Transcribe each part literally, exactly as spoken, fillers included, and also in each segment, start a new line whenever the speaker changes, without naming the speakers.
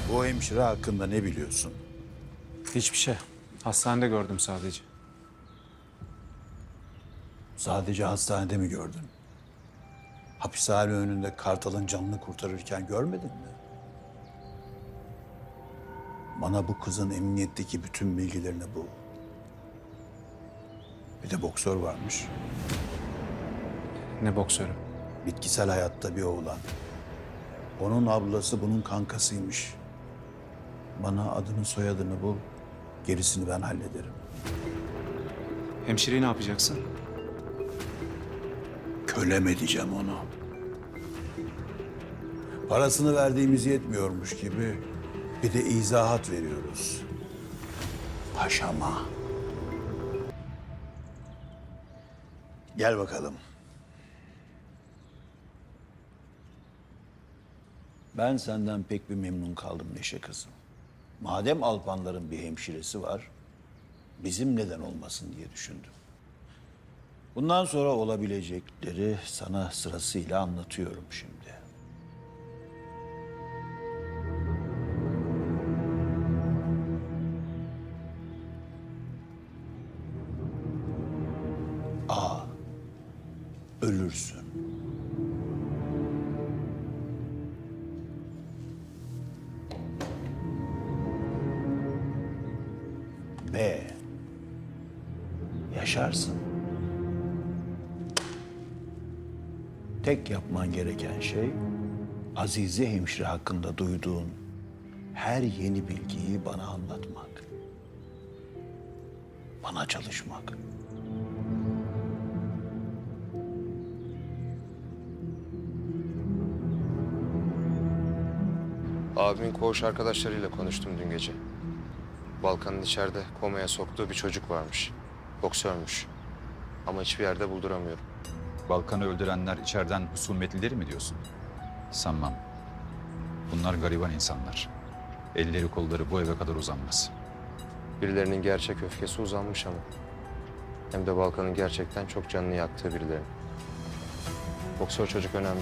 Bu hemşire hakkında ne biliyorsun?
Hiçbir şey. Hastanede gördüm sadece.
Sadece hastanede mi gördün? Hapishane önünde Kartal'ın canını kurtarırken görmedin mi? Bana bu kızın emniyetteki bütün bilgilerini bul. Bir de boksör varmış.
Ne boksörü?
Bitkisel hayatta bir oğlan. Onun ablası bunun kankasıymış. Bana adını soyadını bul. Gerisini ben hallederim.
Hemşireyi ne yapacaksın?
Kölem edeceğim onu. Parasını verdiğimiz yetmiyormuş gibi bir de izahat veriyoruz. Paşama. Gel bakalım. Ben senden pek bir memnun kaldım Neşe kızım. Madem Alpanların bir hemşiresi var, bizim neden olmasın diye düşündüm. Bundan sonra olabilecekleri sana sırasıyla anlatıyorum şimdi. A. Ölürsün. B. Yaşarsın. Tek yapman gereken şey Azize hemşire hakkında duyduğun her yeni bilgiyi bana anlatmak. Bana çalışmak.
Abimin koğuş arkadaşlarıyla konuştum dün gece. Balkan'ın içeride komaya soktuğu bir çocuk varmış. Boksörmüş. Ama hiçbir yerde bulduramıyorum.
Balkan'ı öldürenler içeriden husumetlileri mi diyorsun? Sanmam. Bunlar gariban insanlar. Elleri kolları bu eve kadar uzanmaz.
Birilerinin gerçek öfkesi uzanmış ama. Hem de Balkan'ın gerçekten çok canını yaktığı birileri. Boksör çocuk önemli.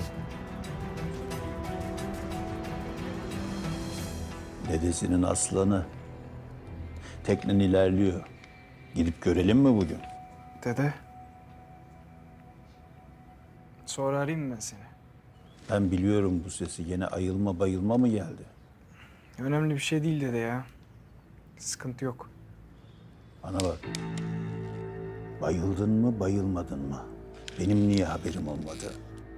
Dedesinin aslanı. Teknen ilerliyor. Gidip görelim mi bugün?
Dede. Sonra arayayım mı ben seni?
Ben biliyorum bu sesi. Yine ayılma bayılma mı geldi?
Önemli bir şey değil dede ya. Sıkıntı yok.
Bana bak. Bayıldın mı bayılmadın mı? Benim niye haberim olmadı?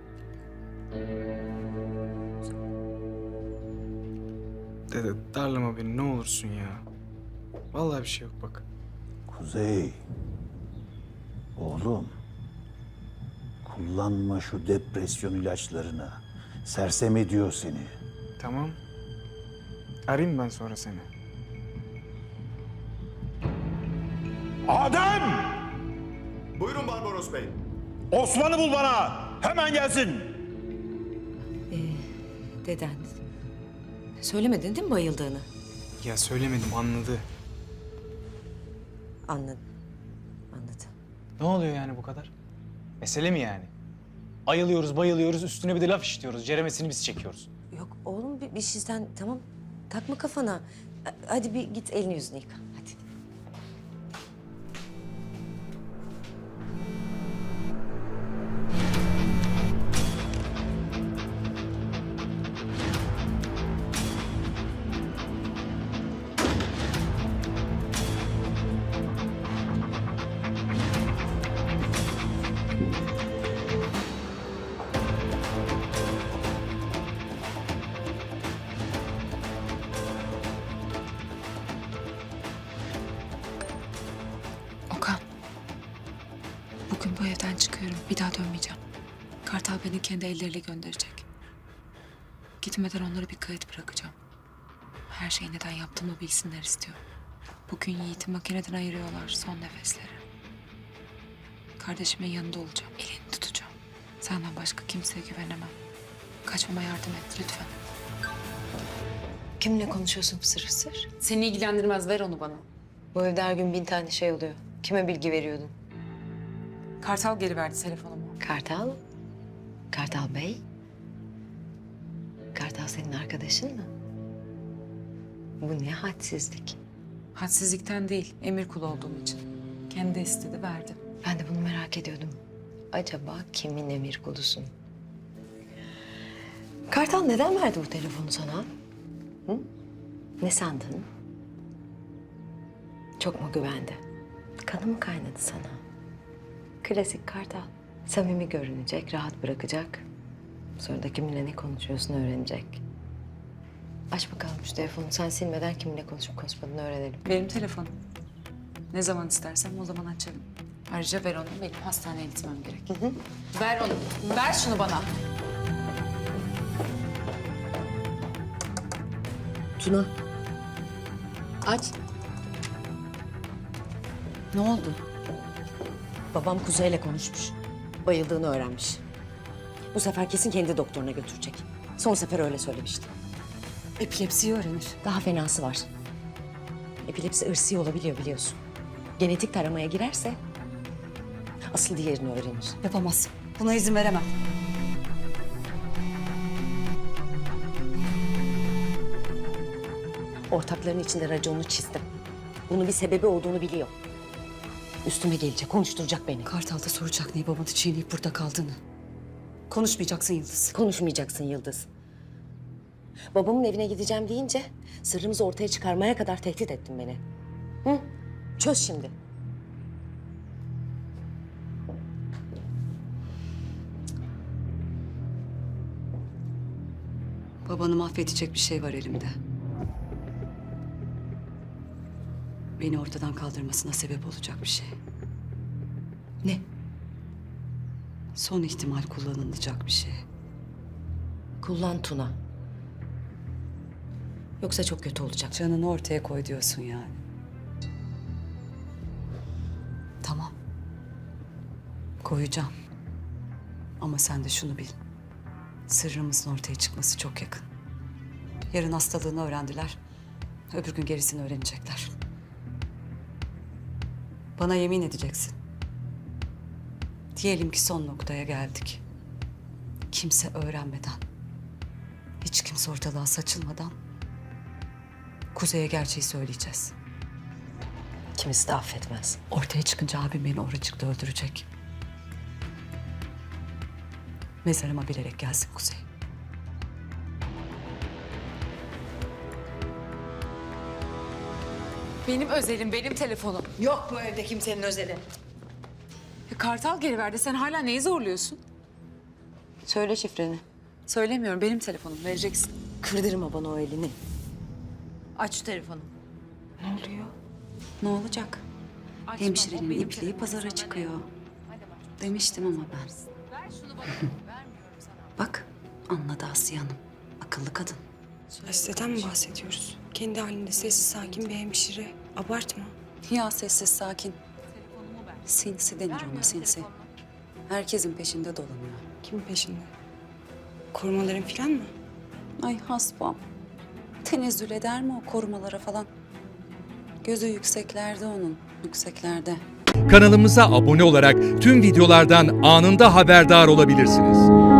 Dede darlama beni ne olursun ya. Vallahi bir şey yok bak.
Kuzey. Oğlum. Kullanma şu depresyon ilaçlarını. Sersem ediyor seni.
Tamam. Arayayım ben sonra seni.
Adem!
Buyurun Barbaros Bey.
Osman'ı bul bana. Hemen gelsin.
Deden. Söylemedin değil mi bayıldığını?
Ya söylemedim anladı.
Anladım. Anladım.
Ne oluyor yani bu kadar? Mesele mi yani? Ayılıyoruz, bayılıyoruz, üstüne bir de laf işliyoruz. Ceremesini biz çekiyoruz.
Yok oğlum bir, bir şeyden tamam takma kafana. Ha- Hadi bir git elini yüzünü yıka. Hadi.
Okan. Bugün bu evden çıkıyorum. Bir daha dönmeyeceğim. Kartal beni kendi elleriyle gönderecek. Gitmeden onlara bir kayıt bırakacağım. Her şeyi neden yaptığımı bilsinler istiyorum. Bugün Yiğit'i makineden ayırıyorlar son nefesleri. Kardeşimin yanında olacağım. Elini tutacağım. Senden başka kimseye güvenemem. Kaçmama yardım et lütfen.
Kimle konuşuyorsun fısır fısır?
Seni ilgilendirmez. Ver onu bana.
Bu evde her gün bin tane şey oluyor. Kime bilgi veriyordun?
Kartal geri verdi telefonumu.
Kartal? Kartal Bey? Kartal senin arkadaşın mı? Bu ne hadsizlik.
Hadsizlikten değil, emir kulu olduğum için. Kendi istedi, verdim.
Ben de bunu merak ediyordum. Acaba kimin emir kulusun? Kartal neden verdi bu telefonu sana? Hı? Ne sandın? Çok mu güvendi? Kanı mı kaynadı sana? Klasik Kartal. Samimi görünecek, rahat bırakacak. Sonra da kiminle ne konuşuyorsun öğrenecek. Aç bakalım şu telefonu. Sen silmeden kiminle konuşup konuşmadığını öğrenelim.
Benim telefonum. Ne zaman istersem o zaman açarım. Ayrıca ver onu, benim hastaneye gitmem gerek. Ver onu, ver şunu bana.
Tuna. Aç.
Ne oldu?
Babam Kuzey'le konuşmuş. Bayıldığını öğrenmiş. Bu sefer kesin kendi doktoruna götürecek. Son sefer öyle söylemişti.
Epilepsiyi öğrenir.
Daha fenası var. Epilepsi ırsi olabiliyor biliyorsun. Genetik taramaya girerse asıl diğerini öğrenir.
Yapamaz. Buna izin veremem.
Ortakların içinde raconunu çizdim. Bunun bir sebebi olduğunu biliyor. Üstüme gelecek, konuşturacak beni.
Kartal'da soracak niye babanı çiğneyip burada kaldığını. Konuşmayacaksın Yıldız.
Konuşmayacaksın Yıldız. Babamın evine gideceğim deyince sırrımızı ortaya çıkarmaya kadar tehdit ettin beni. Hı? Çöz şimdi.
Babanı mahvedecek bir şey var elimde. Beni ortadan kaldırmasına sebep olacak bir şey.
Ne?
Son ihtimal kullanılacak bir şey.
Kullan Tuna. Yoksa çok kötü olacak.
Canını ortaya koy diyorsun yani. Tamam. Koyacağım. Ama sen de şunu bil. Sırrımızın ortaya çıkması çok yakın. Yarın hastalığını öğrendiler. Öbür gün gerisini öğrenecekler. Bana yemin edeceksin. Diyelim ki son noktaya geldik. Kimse öğrenmeden, hiç kimse ortalığa saçılmadan Kuzey'e gerçeği söyleyeceğiz.
Kimisi de affetmez.
Ortaya çıkınca abim beni oracıkta öldürecek. Mezarıma bilerek gelsin Kuzey.
Benim özelim, benim telefonum.
Yok bu evde kimsenin özeli.
Ya Kartal geri verdi. Sen hala neyi zorluyorsun?
Söyle şifreni.
Söylemiyorum. Benim telefonum. Vereceksin.
Kırdırma bana o elini.
Aç şu telefonu.
Ne olacak? Hemşirenin ipliği pazara çıkıyor. Demiştim ama ben. Bak, anladı Asiye Hanım. Akıllı kadın.
Hasteden mi bahsediyoruz? Kendi halinde sessiz sakin bir hemşire. Abartma.
Ya sessiz sakin. Sinsi denir ona, sinsi. Herkesin peşinde dolanıyor.
Kimin peşinde? Korumaların falan mı?
Ay hasbam. Tenezzül eder mi o korumalara falan? Gözü yükseklerde onun, yükseklerde.
Kanalımıza abone olarak tüm videolardan anında haberdar olabilirsiniz.